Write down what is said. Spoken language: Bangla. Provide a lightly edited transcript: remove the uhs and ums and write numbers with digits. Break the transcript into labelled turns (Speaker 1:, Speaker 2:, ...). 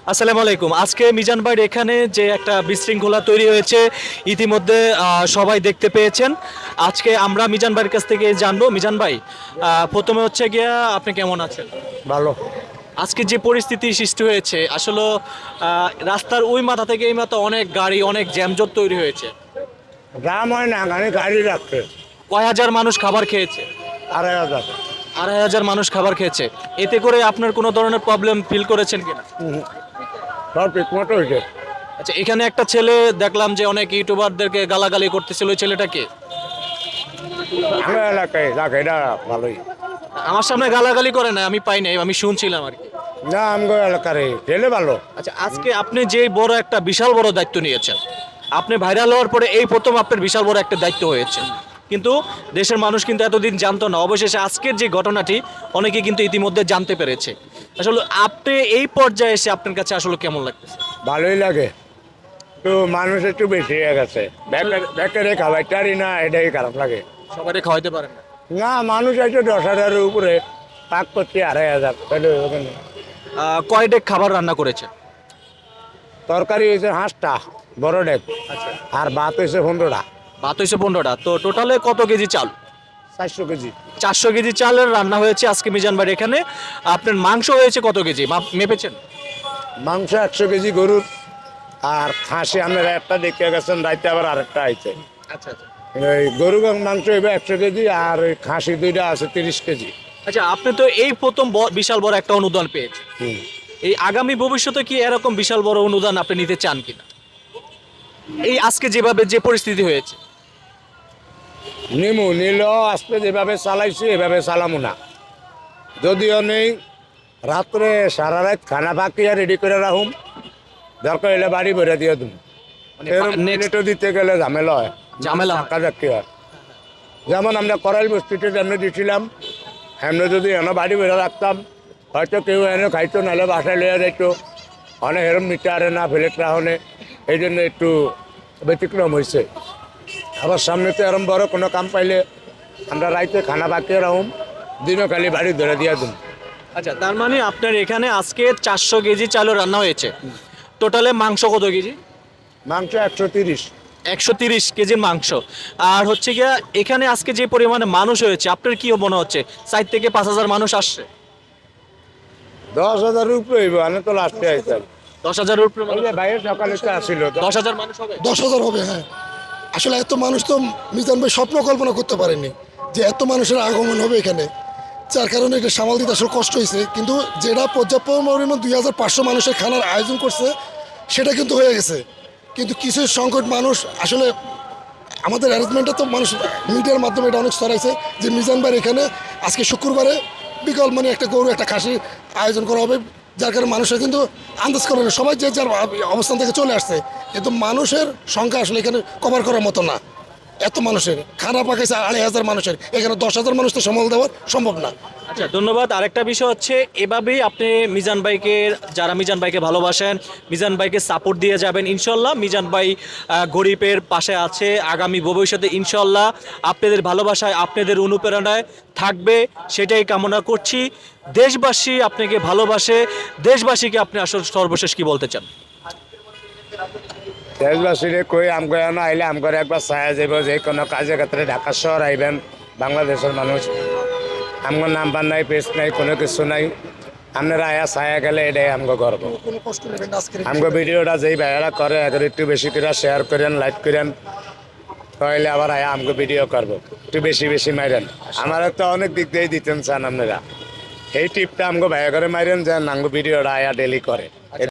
Speaker 1: আসসালামু আলাইকুম। আজকে মিজান ভাইয়ের এখানে যে একটা বিশৃঙ্খলা তৈরি হয়েছে ইতিমধ্যে সবাই দেখতে পেয়েছেন। আজকে আমরা মিজান ভাইয়ের কাছ থেকে জানবো। মিজান ভাই, প্রথমে হচ্ছে গিয়া আপনি কেমন আছেন?
Speaker 2: ভালো।
Speaker 1: আজকে যে পরিস্থিতি সৃষ্টি হয়েছে আসলে রাস্তার ওই মাথা থেকে এই মাথা অনেক গাড়ি অনেক জ্যামজট তৈরি হয়েছে।
Speaker 2: দাম হয় না, গাড়ি গাড়ি রাখছে
Speaker 1: কয় হাজার মানুষ খাবার খেয়েছে?
Speaker 2: 2,500।
Speaker 1: 2,500 মানুষ খাবার খেয়েছে। এতে করে আপনার কোনো ধরনের প্রবলেম ফিল করেছেন কিনা?
Speaker 2: সব ঠিক মতো হয়েছে।
Speaker 1: আচ্ছা, এখানে একটা ছেলে দেখলাম যে অনেক ইউটিউবারদেরকে গালাগালি করতেছিল, ওই ছেলেটাকে
Speaker 2: আমার এলাকায় রাখে, এটা ভালোই।
Speaker 1: আমার সামনে গালাগালি করে না, আমি পাই নাই, আমি শুনছিলাম আর কি।
Speaker 2: না, আমগো এলাকার ছেলে ভালো।
Speaker 1: আচ্ছা, আজকে আপনি যে বড় একটা বিশাল বড় দায়িত্ব নিয়েছেন, আপনি ভাইরাল হওয়ার পরে এই প্রথম আপনার বিশাল বড় একটা দায়িত্ব হয়েছে, কিন্তু দেশের মানুষ কিন্তু এতদিন জানতো না। অবশেষে আজকের যে ঘটনাটি অনেকে কিন্তু ইতিমধ্যে জানতে পেরেছে। আসলে আপনি এই পর্যায়ে এসে আপনার কাছে আসলে কেমন লাগতেছে?
Speaker 2: ভালোই লাগে। তো মানুষ একটু বেশি হয়ে গেছে, বেকারে খাবারটারই না, এটাই খারাপ লাগে।
Speaker 1: সবাই খাওয়াইতে পারেন না।
Speaker 2: না, মানুষ আছে 10,000-এর উপরে, পাক করছে 2,500, তাহলে হবে না।
Speaker 1: কয় ডেক খাবার রান্না করেছে?
Speaker 2: তরকারি হয়েছে 5টা বড় ডেক,
Speaker 1: আচ্ছা,
Speaker 2: আর ভাত হয়েছে 15টা।
Speaker 1: ভাত হয়েছে 15টা। তো টোটালে কত কেজি চাল?
Speaker 2: 400 কেজি।
Speaker 1: 400 কেজি চালের রান্না হয়েছে আজকে মিজান ভাইয়ের এখানে। আপনার মাংস হয়েছে কত কেজি মেপেছেন?
Speaker 2: মাংস 100 কেজি গরুর, আর খাসি আপনারা একটা দেখে গেছেন, রাইতে আবার আরেকটা আইছে।
Speaker 1: আচ্ছা আচ্ছা।
Speaker 2: এই গরু মাংস এবার 100 কেজি, আর ওই খাসি 2টা আছে 30 কেজি।
Speaker 1: আচ্ছা, আপনি তো এই প্রথম বিশাল বড় একটা অনুদান পেয়েছেন।
Speaker 2: হুম।
Speaker 1: এই আগামী ভবিষ্যতে কি এরকম বিশাল বড় অনুদান আপনি নিতে চান কিনা? এই আজকে যেভাবে যে পরিস্থিতি হয়েছে।
Speaker 2: নিল আজকে যেভাবে চালাইছি এভাবে চালামো না। যদিও নেই, রাত্রে সারা রাত খানা পাকিয়া রেডি করে রাখুম, দরকার হলে বাড়ি ভরে দিয়ে তুমি।
Speaker 1: মানে
Speaker 2: নেটো দিতে গেলে ঝামেলা হয়,
Speaker 1: ঝামেলা হয়।
Speaker 2: কাজাকি হয়। যেমন আমরা করাইল বস্তিতে যেমন দিয়েছিলাম, এমনি যদি এনে বাড়ি ভরে রাখতাম, হয়তো কেউ এনে খাইতো, নাহলে বাসায় লইয়া যাইতো। অনেক এরম নিতে আরে না, ফেলেট রাহনে, এই জন্য একটু ব্যতিক্রম হয়েছে। আবার সামনে তো এরম বড় কোনো কাম পাইলে আমরা রাইতে খানা পাকিয়ে রাখুম, দিনও খালি বাড়ি ধরে দিয়া দিন।
Speaker 1: আচ্ছা, তার মানে আপনার এখানে আজকে 400 কেজি চালও রান্না হয়েছে। টোটালে মাংস কত কেজি?
Speaker 2: মাংস 130।
Speaker 1: 130 কেজির মাংস। আর হচ্ছে গিয়া এখানে আজকে যে পরিমাণে মানুষ হয়েছে, আপনার কি মনে হচ্ছে 4 থেকে 5,000 মানুষ আসছে?
Speaker 2: 10,000 উপরে হইব, আমি তো লাস্টে আইতাম।
Speaker 1: 10,000-এর উপরে মানুষ?
Speaker 2: ভাইয়ের সকালে তো আসিল
Speaker 1: 10,000 মানুষ হবে?
Speaker 3: 10,000 হবে, হ্যাঁ। আসলে এত মানুষ তো মিজান ভাই স্বপ্ন কল্পনা করতে পারেনি যে এত মানুষের আগমন হবে এখানে, যার কারণে এটা সামাল দিতে আসলে কষ্ট হয়েছে। কিন্তু যেটা পর্যাপ্ত পরিমাণ 2,500 মানুষের খানার আয়োজন করছে সেটা কিন্তু হয়ে গেছে। কিন্তু কিছু সংকট মানুষ আসলে আমাদের অ্যারেঞ্জমেন্টটা তো মানুষ মিডিয়ার মাধ্যমে এটা অনেক ছড়াইছে যে মিজান ভাইয়ের এখানে আজকে শুক্রবারে বিকল মানে একটা গরু একটা খাসির আয়োজন করা হবে, যার কারণে মানুষের কিন্তু আন্দাজ করে না, সবাই যে যার অবস্থান থেকে চলে আসছে। কিন্তু মানুষের সংখ্যা আসলে এখানে কভার করার মতো না। এত মানুষের খানা পাকাইছে 2,500 মানুষের, এখানে 10,000 মানুষ তো সামাল দেওয়ার সম্ভব না।
Speaker 1: আচ্ছা, ধন্যবাদ। আরেকটা বিষয় হচ্ছে এভাবেই আপনি মিজান ভাইকে, যারা মিজান ভাইকে ভালোবাসেন, মিজান ভাইকে সাপোর্ট দিয়ে যাবেন ইনশাল্লাহ। মিজান ভাই গরিবের পাশে আছে। আগামী ভবিষ্যতে ইনশাল্লাহ আপনাদের ভালোবাসায় আপনাদের অনুপ্রেরণায় থাকবে, সেটাই কামনা করছি। দেশবাসী আপনাকে ভালোবাসে। দেশবাসীকে আপনি আসলে সর্বশেষ কি বলতে চান?
Speaker 2: দেশবাসীরে কই আমগো না আইলে আমগরে একবার ছায়া যাব, যে কোনো কাজে ক্ষেত্রে ঢাকা শহর আইবেন। বাংলাদেশের মানুষ, আমগো নাম্বার নাই, পেজ নাই, কোনো কিছু নাই। আপনারা আয়া ছায়া গেলে এটাই আমগো গর্ব।
Speaker 3: কোনো কষ্ট নেবেন না আজকের
Speaker 2: আমগো ভিডিওটা যেই ভাইয়ারা করে এদের একটু বেশি করে শেয়ার করেন, লাইক করেন, তাহলে আবার আয়া আমগো ভিডিও করবো। একটু বেশি বেশি মাইরেন। আমার তো অনেক দিক দিয়ে দিতেন চান আপনারা, এই টিপটা আমগো ভাইয়া করে মাইরেন, যেন আমগো ভিডিওটা আয়া ডেলি করে।